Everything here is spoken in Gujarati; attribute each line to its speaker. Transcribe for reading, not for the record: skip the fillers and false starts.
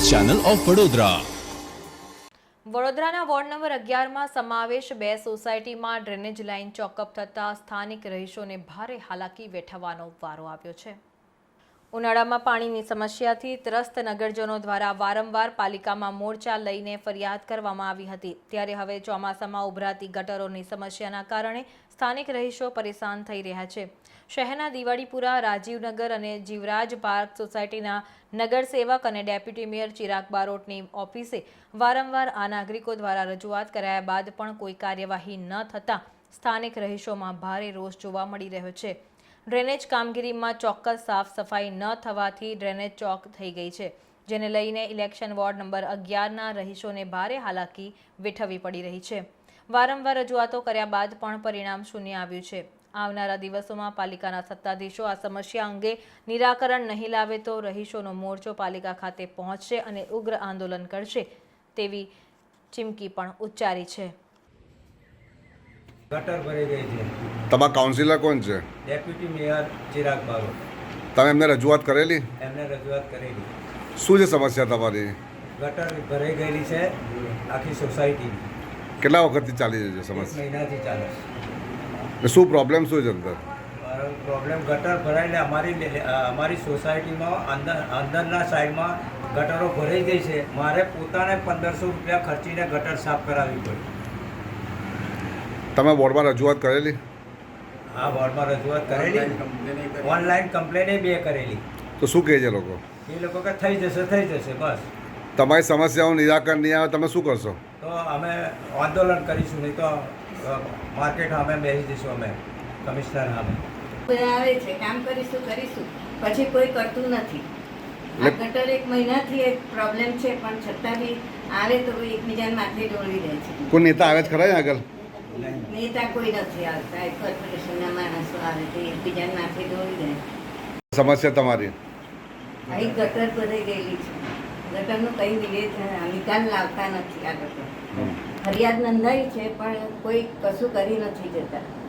Speaker 1: Channel of Vadodara.
Speaker 2: વડોદરાના વોર્ડ નંબર 11માં સમાવેશ 2 સોસાયટીમાં ડ્રેનેજ લાઇન ચોકઅપ થતાં સ્થાનિક રહીશોને ભારે હાલાકી વેઠવાનો વારો આવ્યો છે। ઉનાળામાં પાણીની સમસ્યાથી ત્રસ્ત નગરજનો દ્વારા વારંવાર પાલિકામાં મોરચા લઈને ફરિયાદ કરવામાં આવી હતી, ત્યારે હવે ચોમાસામાં ઉભરાતી ગટરોની સમસ્યાના કારણે સ્થાનિક રહીશો પરેશાન થઈ રહ્યા છે। શહેરના દિવાળીપુરા, રાજીવનગર અને જીવરાજ પાર્ક સોસાયટીના નગરસેવક અને ડેપ્યુટી મેયર ચિરાગ બારોટની ઓફિસે વારંવાર આ નાગરિકો દ્વારા રજૂઆત કરાયા બાદ પણ કોઈ કાર્યવાહી ન થતાં સ્થાનિક રહીશોમાં ભારે રોષ જોવા મળી રહ્યો છે। ડ્રેનેજ કામગીરીમાં ચોક્કસ સાફ સફાઈ ન થવાથી ડ્રેનેજ ચોક થઈ ગઈ છે, જેને લઈને ઇલેક્શન વોર્ડ નંબર 11ના રહીશોને ભારે હાલાકી વેઠવવી પડી રહી છે। વારંવાર રજૂઆતો કર્યા બાદ પણ પરિણામ શૂન્ય આવ્યું છે। આવનારા દિવસોમાં પાલિકાના સત્તાધીશો આ સમસ્યા અંગે નિરાકરણ નહીં લાવે તો રહીશોનો મોરચો પાલિકા ખાતે પહોંચશે અને ઉગ્ર આંદોલન કરશે તેવી ચીમકી પણ ઉચ્ચારી છે।
Speaker 3: ગટર ભરાઈ ગઈ છે।
Speaker 4: તમારા કાઉન્સિલર કોણ છે?
Speaker 3: Deputy mayor Chirag Barot.
Speaker 4: તમે એમને રજૂઆત કરેલી?
Speaker 3: એમને રજૂઆત કરેલી।
Speaker 4: શું છે સમસ્યા તમારી?
Speaker 3: ગટર ભરાઈ ગયેલી છે આખી સોસાયટીની।
Speaker 4: કેટલા વખતથી ચાલી રહી છે સમસ્યા?
Speaker 3: 1 મહિનાથી ચાલે છે।
Speaker 4: શું પ્રોબ્લેમ શું છે અંદર?
Speaker 3: મારો પ્રોબ્લેમ ગટર ભરાઈને અમારી સોસાયટીમાં અંદરના સાઈડમાં ગટરો ભરાઈ ગઈ છે। મારે પોતાને 1500 રૂપિયા ખર્ચીને ગટર સાફ કરાવવી પડી।
Speaker 4: તમે બોર્ડમાં રજૂઆત કરેલી?
Speaker 3: આ બોર્ડમાં રજૂઆત કરેલી, ઓનલાઈન કમ્પ્લેન 2 કરેલી।
Speaker 4: તો શું કહે છે લોકો?
Speaker 3: એ લોકો કે થઈ જશે બસ।
Speaker 4: તમારી સમસ્યાઓનું નિરાકરણ નહીં આવે તમે શું કરશો?
Speaker 3: તો અમે આંદોલન કરીશું, નહીં તો માર્કેટ સામે બેસી જઈશું અમે કમિશનર સામે।
Speaker 5: આવે છે કામ કરીશું પછી કોઈ કરતું નથી। આ ગટર 1 મહિનાથી એક પ્રોબ્લેમ છે, પણ છતાં બી આવે તો એકબીજાને માથે ડોળી રહે છે।
Speaker 4: કોઈ નેતા આવે છે ખરા આગળ?
Speaker 5: નેતા કોઈ નથી આવતા, કોર્પોરેશનના માણસો આવે તો એકબીજાને માથે ડોળી રહે।
Speaker 4: સમસ્યા તમારી?
Speaker 5: અહીં ગટર ભરાઈ ગયેલી છે, ગટરનું કંઈ નિકાલ લાવતા નથી। આ ગટર ફરિયાદ નોંધાઈ છે પણ કોઈ કશું કરી નથી જતા।